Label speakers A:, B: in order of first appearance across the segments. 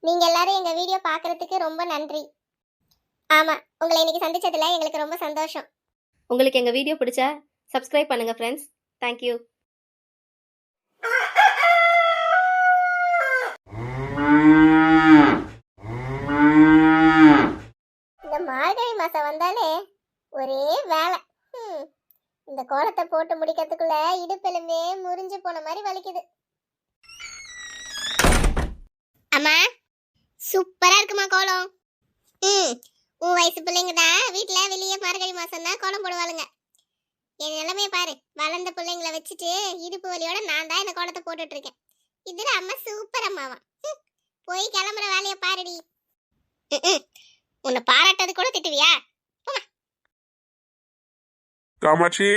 A: நீங்க எல்லாரும் எங்க வீடியோ பார்க்கறதுக்கு ரொம்ப நன்றி. ஆமா, உங்களை இன்னைக்கு சந்திச்சதுல எங்களுக்கு ரொம்ப சந்தோஷம்.
B: உங்களுக்கு எங்கள் வீடியோ பிடிச்சா சப்ஸ்கிரைப் பண்ணுங்கள் ஃப்ரெண்ட்ஸ். தேங்க்யூ.
A: இந்த மார்கழி மாசம் வந்தாலே ஒரே வேலை. இந்த கோலத்தை போட்டு முடிக்கிறதுக்குள்ள இடுப்பெலும்பே முறிஞ்சு போன மாதிரி வலிக்குது. அம்மா, சூப்பரா இருக்குமா கோலம்? உன் வயசு பிள்ளைங்க தான் வீட்டுல வெளியே மார்கழி மாசம் தான் கோலம் போடுவாளுங்க. என் நிலைமையை பாரு, வளர்ந்த பிள்ளைங்களை வச்சுட்டு இடுப்பு வலியோட நான் தான் இந்த கோலத்தை போட்டுட்டு இருக்கேன். இதுல அம்மா சூப்பர் அம்மாவா. போய் கிளம்புற வேலையை பாருடி. உன்னை பாராட்டது கூட திட்டுவியா?
C: காமாட்சி,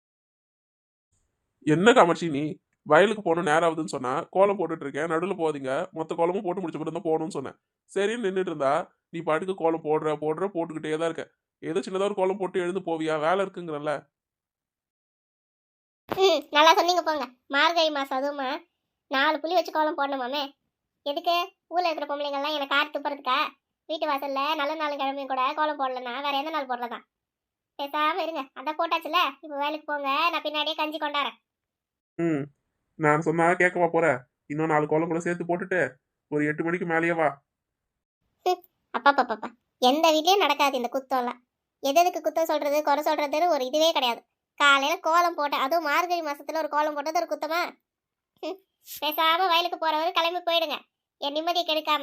C: என்ன காமாட்சி நீ வயலுக்கு போகணும் நேரம் ஆகுதுன்னு சொன்னா கோலம் போட்டுட்டு இருக்கேன், நடுவில் போதீங்க, மொத்த கோலமும் போட்டு முடிச்ச பிறகு தான் போகணும்னு சொன்னேன். சரின்னு நின்றுட்டு இருந்தா நீ பாட்டுக்கு கோலம் போட்டுக்கிட்டே தான் இருக்க. ஏதோ சின்னதாக ஒரு கோலம் போட்டு எழுந்து போவியா? வேலை இருக்குங்கிறல்ல.
A: நல்லா சொன்னீங்க போங்க. மார்கழி மாசம் அதுவுமா 4 புள்ளி வச்சு கோலம் போடணுமாமே. எதுக்கு? ஊர்ல இருக்கிற பொம்பளைங்கள்லாம் எனக்கு கார் துப்புறதுக்கா? வீட்டு வாசல்ல நல்ல நாள் கிழமையும் கூட கோலம் போடலன்னா வேற எந்த நாள் போடுறதா? பேசாம இருங்க, அதான் போட்டாச்சுல, இப்ப வேலைக்கு போங்க, நான் பின்னாடியே கஞ்சி கொண்டாறேன்.
C: நான் சொன்னா கேட்கவா போற? இன்னும் 4 கோலம் கூட சேர்த்து போட்டுட்டு ஒரு 8 மணிக்கு மேலேயே வா.
A: அப்பா, எந்த வீட்லயும் நடக்காது இந்த குத்தம்லாம். எதுக்கு குத்தம் சொல்றது, குறை சொல்றதுன்னு ஒரு இதுவே கிடையாது. காலையில கோலம் போட்ட, அதுவும் மார்கழி மாசத்துல ஒரு கோலம் போட்டது ஒரு குத்தமா? பேசாம வயலுக்கு போறவரு கிளம்பி போயிடுங்க, என் நிம்மதியை கெடுக்காம.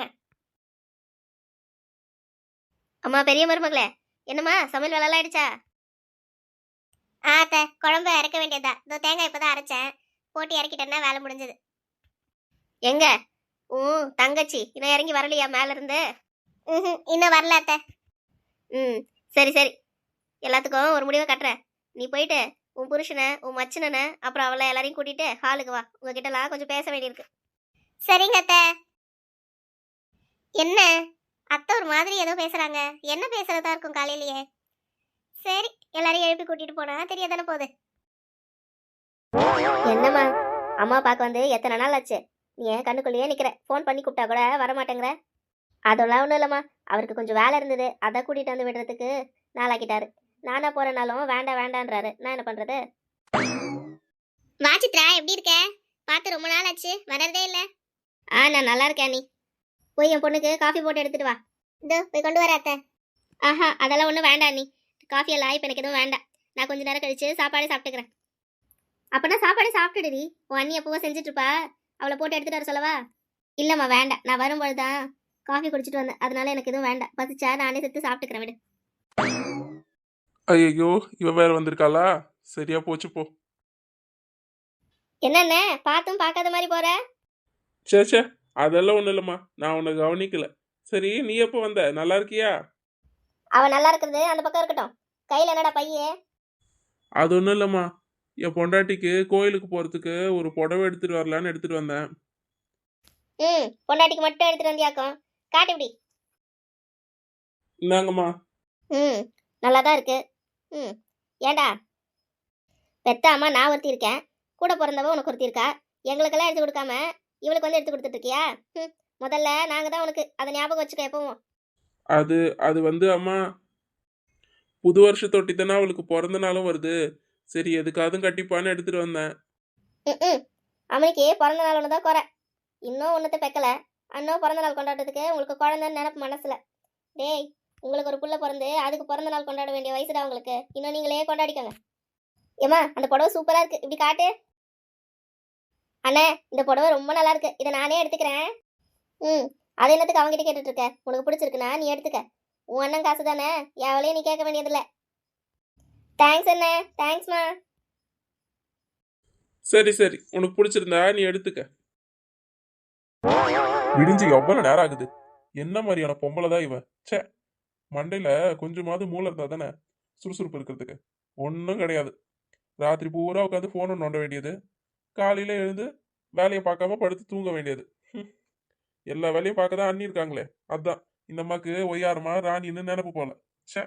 B: அம்மா, பெரிய மருமகளே, என்னம்மா சமையல் வேலைலாம் ஆயிடுச்சா?
A: ஆத்த, குழம்பு இறக்க வேண்டியதா. இதோ தேங்காய் இப்பதான் அரைச்சேன், போட்டு இறக்கிட்டேன்னா வேலை முடிஞ்சது.
B: எங்க தங்கச்சி இன்னும் இறங்கி வரலையா மேல இருந்து?
A: இன்னும் வரல அத்த.
B: சரி சரி, எல்லாத்துக்கும் ஒரு முடிவை கட்டுறேன். நீ போயிட்டு உன் புருஷனை, உன் மச்சினனை, அப்புறம் அவளை எல்லாரையும் கூட்டிட்டு ஹாலுக்கு வா. உங்ககிட்டலாம் கொஞ்சம் பேச வேண்டியிருக்கு.
A: சரிங்க அத்த. என்ன அத்தை ஒரு மாதிரி ஏதோ பேசுறாங்க? என்ன பேசுறதா இருக்கும் காலையிலேயே? சரி, எல்லாரையும் எழுப்பி கூட்டிட்டு போனா தெரியாதானே போகுது.
B: என்னம்மா, அம்மா பார்க்க வந்து எத்தனை நாள் ஆச்சு? நீ ஏன் கண்ணுக்குள்ளேயே நிக்கிற? ஃபோன் பண்ணி கூப்பிட்டா கூட வரமாட்டேங்கிற. அதெல்லாம் ஒன்றும் இல்லைம்மா, அவருக்கு கொஞ்சம் வேலை இருந்தது, அதை கூட்டிகிட்டு வந்து விடுறதுக்கு நாளாக்கிட்டாரு. நானா போகிறனாலும் வேண்டான்றாரு. நான் என்ன பண்ணுறது?
A: வா சித்ரா, எப்படி இருக்க? பார்த்து ரொம்ப நாள் ஆச்சு, வரதே இல்லை.
B: நான் நல்லா இருக்கேன். நீ போய் என் பொண்ணுக்கு காஃபி போட்டு எடுத்துட்டு வா.
A: இதோ போய் கொண்டு வர அத்தை.
B: ஆஹா, அதெல்லாம் ஒன்றும் வேண்டாம். நீ காஃபி எல்லாம் இப்போ எனக்கு எதுவும் வேண்டாம். நான் கொஞ்சம் நேரம் கழிச்சு சாப்பாடு சாப்பிட்டுக்கிறேன். அப்போனா சாப்பாடு சாப்பிட்டுடுடி. உன் அண்ணி எப்பவும் செஞ்சுட்டு இருப்பா, அவளை போட்டு எடுத்துட்டு வர சொல்லவா? இல்லைம்மா வேண்டாம், நான் வரும்பொழுது தான் காஃபி குடிச்சிட்டு வந்தேன், அதனால எனக்கு எதுவும் வேண்டாம். பசிச்சா நானே செத்து சாப்பிட்டுக்கிறேன், விடு.
C: ஐயோ, இவ வேற வந்திருக்காளா? சரியா போச்சு போ.
B: என்னென்ன பார்த்தும் பார்க்காத மாதிரி போற?
C: சே, அதெல்லாம் ஒண்ணும் இல்லம்மா, நான் உன்னை கவனிக்கல. சரி, நீ எப்போ வந்த? நல்லா இருக்கியா?
B: அவ நல்லா இருக்கிறது அந்த பக்கம் இருக்கட்டும், கையில என்னடா பையே?
C: அது ஒன்றும் இல்லம்மா, என் பொண்டாட்டிக்கு கோயிலுக்கு போறதுக்கு ஒரு புடவை எடுத்துட்டு வரலான்னு எடுத்துட்டு வந்தேன்.
B: பொண்டாட்டிக்கு மட்டும் எடுத்துட்டு வந்தியாக்கும், காட்டு இப்படி.
C: இந்தாங்கம்மா.
B: நல்லாதான் இருக்கு. ஏண்டா, பெத்த அம்மா நான் ஒருத்தி இருக்கேன், கூட பிறந்தவ உனக்கு ஒருத்தி இருக்கா. எங்களுக்கெல்லாம் எடுத்து கொடுக்காம இவளுக்கு வந்து எடுத்து கொடுத்துட்டு இருக்கியா? முதல்ல நாங்க தான் உனக்கு, அதை ஞாபகம் வச்சுக்க எப்பவும்.
C: அது வந்து அம்மா, புது வருஷத்தொட்டி தானே அவளுக்கு பிறந்த நாளும் வருது, சரி எதுக்காதும் கட்டிப்பான்னு எடுத்துட்டு வந்தேன்.
B: அவனுக்கு பிறந்த நாள் ஒன்று தான் குறை, இன்னும் ஒன்றத்தை பெக்கல. அண்ணன் பிறந்த நாள் கொண்டாடுறதுக்கு உங்களுக்கு குழந்தைன்னு நினப்பு மனசுல. டேய், உங்களுக்கு ஒரு புள்ள பிறந்து அதுக்கு பிறந்த நாள் கொண்டாட வேண்டிய வயசுடா உங்களுக்கு. இன்னும் நீங்களே கொண்டாடிக்கோங்க. ஏமா, அந்த புடவை சூப்பரா இருக்கு, இப்படி காட்டு. அண்ணே, இந்த புடவை ரொம்ப நல்லா இருக்கு, இதை நானே எடுத்துக்கிறேன். அது என்னத்துக்கு அவங்ககிட்ட கேட்டுட்டு இருக்க? உனக்கு பிடிச்சிருக்குன்னா நீ எடுத்துக்க. உன் அண்ணன் காசு தானே, எவளையும் நீ கேட்க வேண்டியதில்லை. தேங்க்ஸ் அண்ணே. தேங்க்ஸ்மா.
C: சரி, உனக்கு பிடிச்சிருந்தா நீ எடுத்துக்க. விடிஞ்சு எவ்வளவு நேரம் ஆகுது? என்ன மாதிரியான பொம்பளை தான் இவன்? சே, மண்டையில கொஞ்சமாவது மூளை இருந்தா தானே சுறுசுறுப்பு இருக்கிறதுக்கு. ஒன்றும் கிடையாது. ராத்திரி பூரா உட்காந்து போனை நோண்ட வேண்டியது, காலையில எழுந்து வேலையை பார்க்காம படுத்து தூங்க வேண்டியது. எல்லா வேலையும் பார்க்க தான் அண்ணி இருக்காங்களே, அதான் இந்த அம்மாக்கு ஒய்யாரமா ராணின்னு நினைப்பு போல. சே,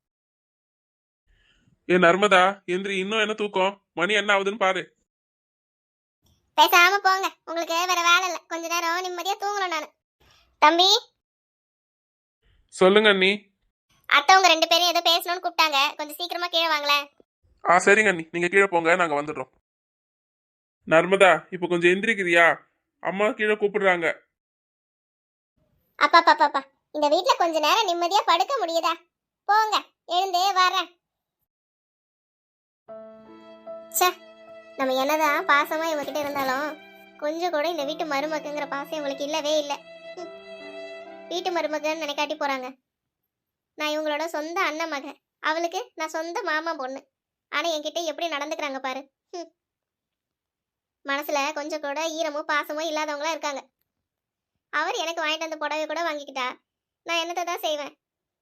C: ஏ நர்மதா, எந்திரி, இன்னும் என்ன தூக்கம்? மணி என்ன ஆகுதுன்னு பாரு.
A: பேசாம போங்க, உங்களுக்கு வேற வேலை இல்லை, கொஞ்ச நேரம் நிம்மதியா தூங்கணும். தம்பி,
C: சொல்லுங்க அண்ணி.
A: அத்தை உங்க 2 பேரும் ஏதோ பேசணும்னு கூப்பிட்டாங்க, கொஞ்சம் சீக்கிரமா கீழே வாங்களேன்.
C: சரிங்க அண்ணி, நீங்க கீழே போங்க, நாங்க வந்துடுறோம். நர்மதா, இப்போ கொஞ்சம் எந்திரிக்கிறியா? அம்மா கீழே கூப்பிடுறாங்க.
A: அப்பா அப்பா அப்பா, இந்த வீட்ல கொஞ்ச நேரம் நிம்மதியா படுக்க முடியுதா? போங்க, எழுந்தே வரேன். ச்சே, நம்ம என்னதான் பாசமா இவகிட்ட இருந்தாலும் கொஞ்சம் கூட இந்த வீட்டு மருமகங்கிற பாசம் இவங்களுக்கு இல்லவே இல்லை. வீட்டு மருமகன்னு நினைக்காட்டி போறாங்க. நான் இவங்களோட சொந்த அண்ணன் மகன், அவளுக்கு நான் சொந்த மாமா பொண்ணு. ஆனா என்கிட்ட எப்படி நடந்துக்கிறாங்க பாரு. மனசுல கொஞ்சம் கூட ஈரமும் பாசமும் இல்லாதவங்களா இருக்காங்க. அவர் எனக்கு வாங்கிட்டு வந்த புடவை கூட வாங்கிக்கிட்டா, நான் என்னத்தை தான் செய்வேன்?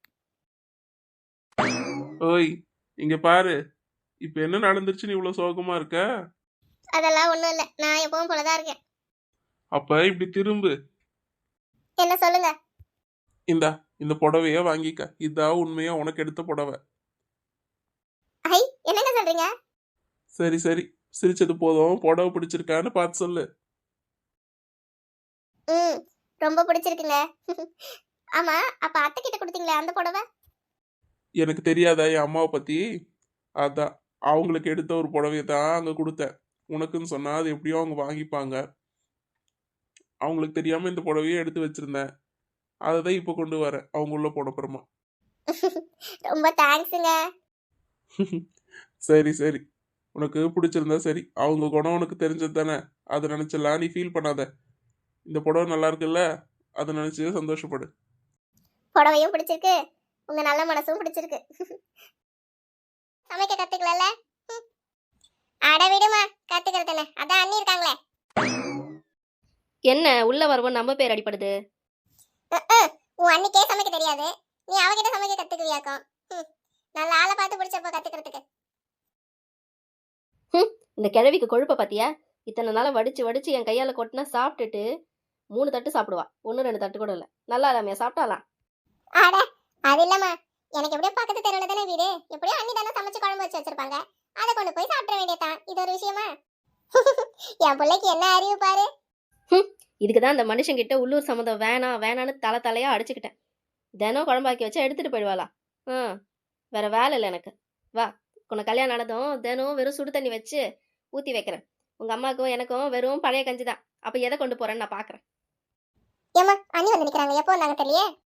C: ஓய், இங்க பாரு. இப்ப என்ன நடந்துருச்சுன்னு இவ்வளவு சோகமா இருக்க?
A: அதெல்லாம் ஒண்ணும் இல்லை, நான் எப்பவும் போலதான் இருக்கேன்.
C: அப்ப இப்படி திரும்பு.
A: என்ன சொல்லுங்க?
C: இந்தா, இந்த புடவைய வாங்கிக்க. இதான் உண்மையா உனக்கு எடுத்த புடவை.
A: ஐ, என்னங்க சொல்றீங்க?
C: சரி சரி, சிரிச்சது போதும். புடவை பிடிச்சிருக்கான்னு பார்த்து சொல்லு.
A: ம், ரொம்ப பிடிச்சிருக்குங்க. ஆமா, அப்ப அத்தை கிட்ட கொடுத்தீங்களே அந்த புடவை?
C: எனக்கு தெரியாதா என் அம்மாவை பத்தி? அதான், அவங்களுக்கு எடுத்த ஒரு புடவைய தான் அங்க கொடுத்தேன். உனக்குன்னு சொன்னா அது எப்படியோ அவங்க வாங்கிப்பாங்க. அவங்களுக்கு தெரியாம இந்த புடவைய எடுத்து வச்சிருந்தேன். அதை தான் இப்போ கொண்டு வரேன் அவங்க உள்ள போன அப்புறமா.
A: ரொம்ப தேங்க்ஸுங்க.
C: சரி சரி, உனக்கு பிடிச்சிருந்தா சரி. அவங்க குணம் உனக்கு தெரிஞ்சது தானே, அதை நினைச்சலாம் நீ ஃபீல் பண்ணாத. இந்த புடவை நல்லா இருக்குல்ல, அதை நினைச்சு சந்தோஷப்படு.
A: புடவையும் பிடிச்சிருக்கு, உங்க நல்ல மனசும் பிடிச்சிருக்கு. சமைக்க கத்துக்கல? அட விடுமா, கத்துக்கிறதுன்னு அதான் அண்ணி இருக்காங்களே.
B: என்ன உள்ள வருவோம் நம்ம பேர் அடிப்படுது?
A: உன் அண்ணிக்கே சமைக்க தெரியாது, நீ அவகிட்ட சமைக்க கத்துக்குவியாக்கும். நல்ல ஆளை பார்த்து பிடிச்சப்ப கத்துக்கிறதுக்கு.
B: இந்த கிழவிக்கு கொழுப்ப பாத்தியா? இத்தனை நாள வடிச்சு வடிச்சு என் கையால கொட்டினா சாப்பிட்டுட்டு 3 தட்டு சாப்பிடுவா, 1-2 தட்டு கூட இல்ல. நல்லா இல்லாமையா சாப்பிட்டாலாம்?
A: அட அது இல்லம்மா, எனக்கு எப்படியோ பக்கத்து தெருவுல தானே வீடு, எப்படியோ அண்ணி தானே சமைச்சு குழம்பு வச்சு வச்சிருப்பாங்க, அதை கொண்டு போய் சாப்பிட வேண்டியதான். இது ஒரு விஷயமா? என் பிள்ளைக்கு என்ன அறிவு பாரு.
B: இதுக்குதான் அந்த மனுஷங்கிட்ட உள்ளூர் சம்மந்தம் வேணாம் வேணான்னு தலையா அடிச்சுக்கிட்டேன். தினம் குழம்பாக்கி வச்சா எடுத்துட்டு போயிடுவாளா? வேற வேலை இல்லை எனக்கு. வா, உன்னை கல்யாணம் ஆனதும் தினம் வெறும் சுடு தண்ணி வச்சு ஊத்தி வைக்கிறேன். உங்க அம்மாவுக்கும் எனக்கும் வெறும் பழைய கஞ்சி தான். அப்ப எதை கொண்டு போறேன்னு நான் பாக்குறேன்.
A: ஏமா, அண்ணி வந்து நிக்கிறாங்க, எப்போ வந்தாங்க தெரியல.